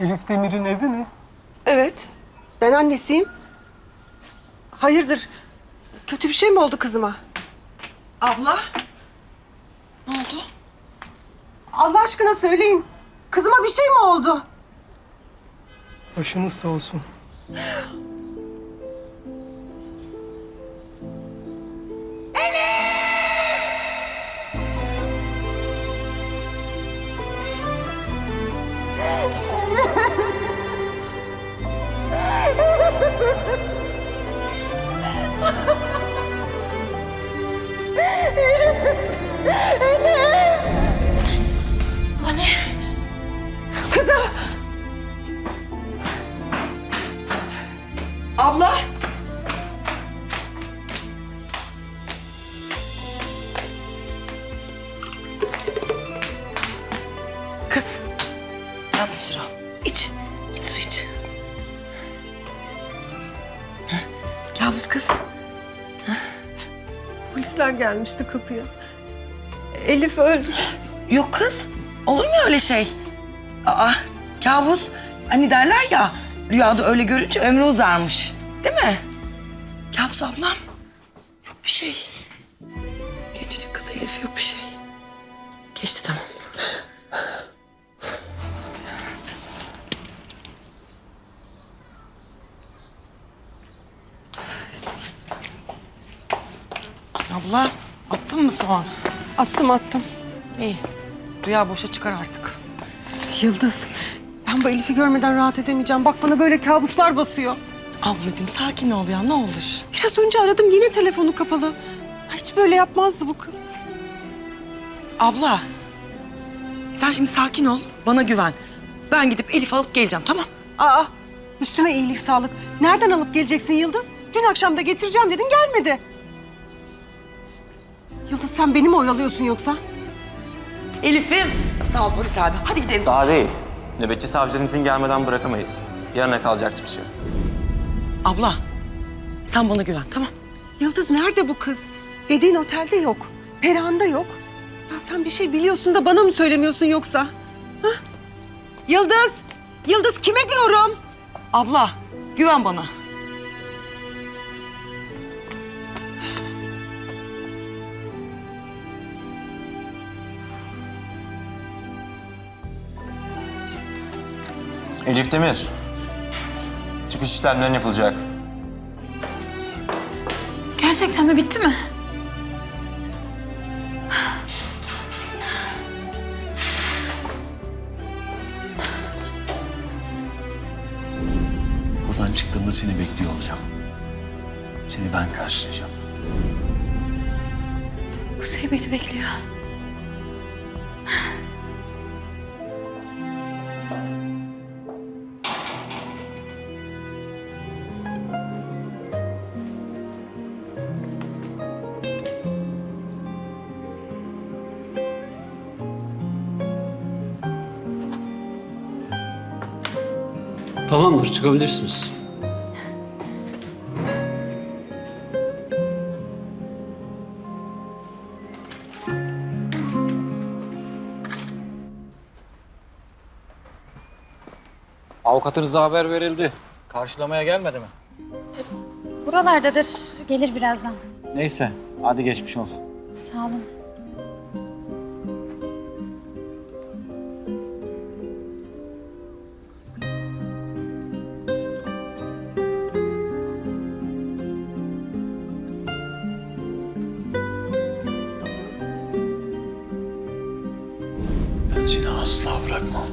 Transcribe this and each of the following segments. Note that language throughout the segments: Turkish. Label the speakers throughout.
Speaker 1: Elif Demir'in evi mi?
Speaker 2: Evet. Ben annesiyim. Hayırdır? Kötü bir şey mi oldu kızıma? Abla? Ne oldu? Allah aşkına söyleyin. Kızıma bir şey mi oldu?
Speaker 1: Başınız sağ olsun.
Speaker 3: Anne.
Speaker 2: Kızım! Abla!
Speaker 3: Kız. Al bir sürü al. İç. İç su iç. Hı? Kabus kız.
Speaker 2: Polisler gelmişti kapıya. Elif öldü.
Speaker 3: Yok kız. Olur mu öyle şey? Aa, kabus. Hani derler ya, rüyada öyle görünce ömrü uzarmış. Değil mi? Kabus ablam. Yok bir şey. Gencecik kız Elif, yok bir şey. Geçti tamam. Abla, attın mı soğan?
Speaker 2: Attım.
Speaker 3: İyi. Rüya boşa çıkar artık.
Speaker 2: Yıldız, ben bu Elif'i görmeden rahat edemeyeceğim. Bak bana böyle kabuslar basıyor.
Speaker 3: Ablacığım sakin ol ya, ne olur.
Speaker 2: Biraz önce aradım, yine telefonu kapalı. Hiç böyle yapmazdı bu kız.
Speaker 3: Abla, sen şimdi sakin ol, bana güven. Ben gidip Elif alıp geleceğim, tamam?
Speaker 2: Aa, üstüme iyilik sağlık. Nereden alıp geleceksin Yıldız? Dün akşam da getireceğim dedin, gelmedi. Yıldız, sen beni mi oyalıyorsun yoksa?
Speaker 3: Elif'im. Sağ ol polis abi, hadi gidelim.
Speaker 4: Daha değil. Nöbetçi savcının izin gelmeden bırakamayız. Yarına kalacak çıkışı.
Speaker 3: Abla, sen bana güven, tamam?
Speaker 2: Yıldız, nerede bu kız? Dediğin otelde yok. Perihan'da yok. Ya sen bir şey biliyorsun da bana mı söylemiyorsun yoksa? Hah? Yıldız! Yıldız, kime diyorum?
Speaker 3: Abla, güven bana.
Speaker 4: Elif Demir. Çıkış işlemlerin yapılacak.
Speaker 5: Gerçekten mi? Bitti mi?
Speaker 6: Buradan çıktığımda seni bekliyor olacağım. Seni ben karşılayacağım.
Speaker 5: Kuzey beni bekliyor.
Speaker 7: Tamamdır, çıkabilirsiniz.
Speaker 8: Avukatınıza haber verildi. Karşılamaya gelmedi mi?
Speaker 5: Buralardadır. Gelir birazdan.
Speaker 8: Neyse, hadi geçmiş olsun.
Speaker 5: Sağ olun.
Speaker 6: Ben seni asla bırakmam.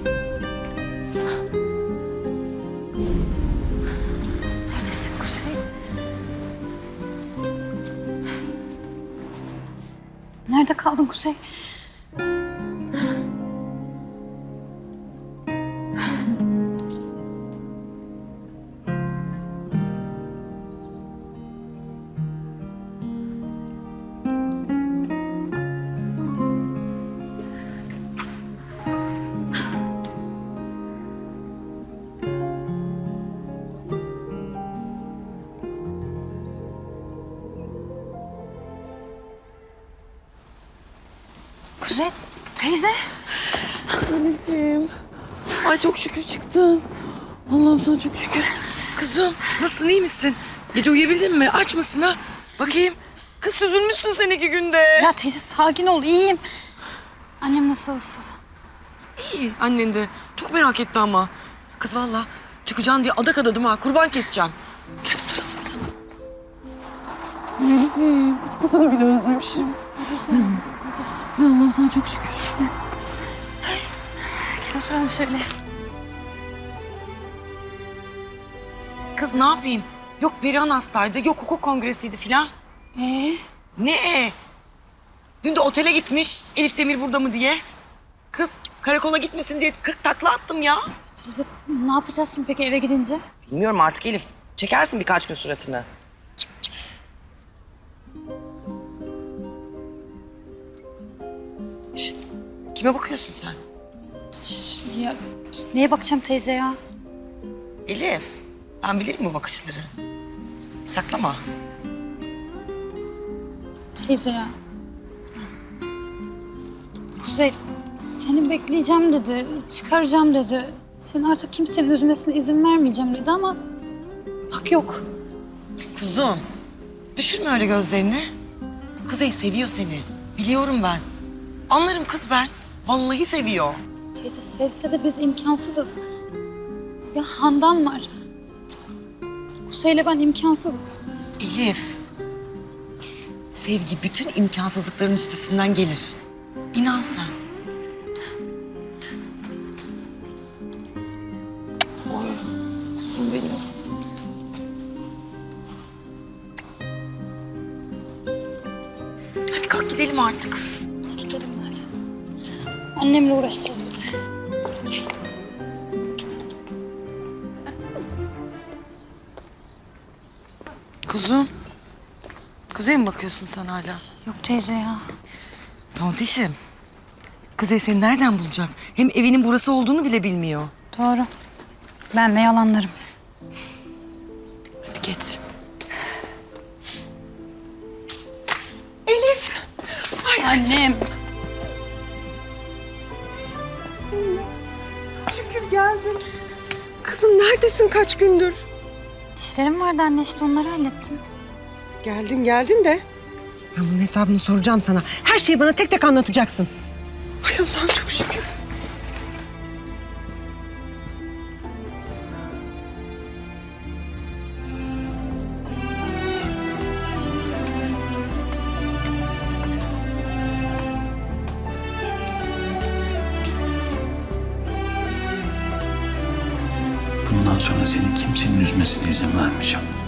Speaker 5: Neredesin Kuzey? Nerede kaldın Kuzey? Kuzey, teyze.
Speaker 2: Elif'im.
Speaker 3: Ay çok şükür çıktın. Allah'ım sana çok şükür. Kızım nasılsın, iyi misin? Gece uyuyabildin mi? Aç mısın ha? Bakayım. Kız süzülmüşsün sen 2 günde.
Speaker 5: Ya teyze sakin ol, iyiyim. Annem nasıl?
Speaker 3: İyi annen de. Çok merak etti ama. Kız vallahi çıkacaksın diye adak adadım ha. Kurban keseceğim. Gel bir sarılayım sana. Kız kokanı bile özlemişim. Allah'ım sana çok şükür.
Speaker 5: Gel oturalım şöyle.
Speaker 3: Kız ne yapayım? Yok Berihan hastaydı, yok hukuk kongresiydi filan. Ne? Dün de otele gitmiş. Elif Demir burada mı diye. Kız karakola gitmesin diye 40 takla attım ya.
Speaker 5: Teyze ne yapacağız şimdi peki eve gidince?
Speaker 3: Bilmiyorum artık Elif. Çekersin birkaç gün suratını. Şişt, kime bakıyorsun sen?
Speaker 5: Ya neye bakacağım teyze ya?
Speaker 3: Elif, ben bilirim bu bakışları. Saklama.
Speaker 5: Teyze ya. Kuzey seni bekleyeceğim dedi, çıkaracağım dedi. Seni artık kimsenin üzmesine izin vermeyeceğim dedi ama bak yok.
Speaker 3: Kuzum, düşürme öyle gözlerini. Kuzey seviyor seni. Biliyorum ben. Anlarım kız ben. Vallahi seviyor.
Speaker 5: Teyze sevse de biz imkansızız. Ya Handan var. Kuzey'le ben imkansızız.
Speaker 3: Elif, sevgi bütün imkansızlıkların üstesinden gelir. İnan sen. Oy, kuzum benim. Hadi kalk gidelim artık.
Speaker 5: Gidelim hadi. Annemle uğraşacağız bir de.
Speaker 3: Kuzum. Kuzey mi bakıyorsun sen hala?
Speaker 5: Yok teyze ya.
Speaker 3: Tontişim. Kuzey seni nereden bulacak? Hem evinin burası olduğunu bile bilmiyor.
Speaker 5: Doğru. Ben de yalanlarım.
Speaker 3: Hadi geç.
Speaker 5: Annem.
Speaker 2: Şükür geldin. Kızım neredesin kaç gündür?
Speaker 5: Dişlerim vardı anne işte onları hallettim.
Speaker 2: Geldin de. Ben bunun hesabını soracağım sana. Her şeyi bana tek tek anlatacaksın. Ay Allah'ım çok şükür.
Speaker 6: Bundan sonra seni kimsenin üzmesine izin vermeyeceğim.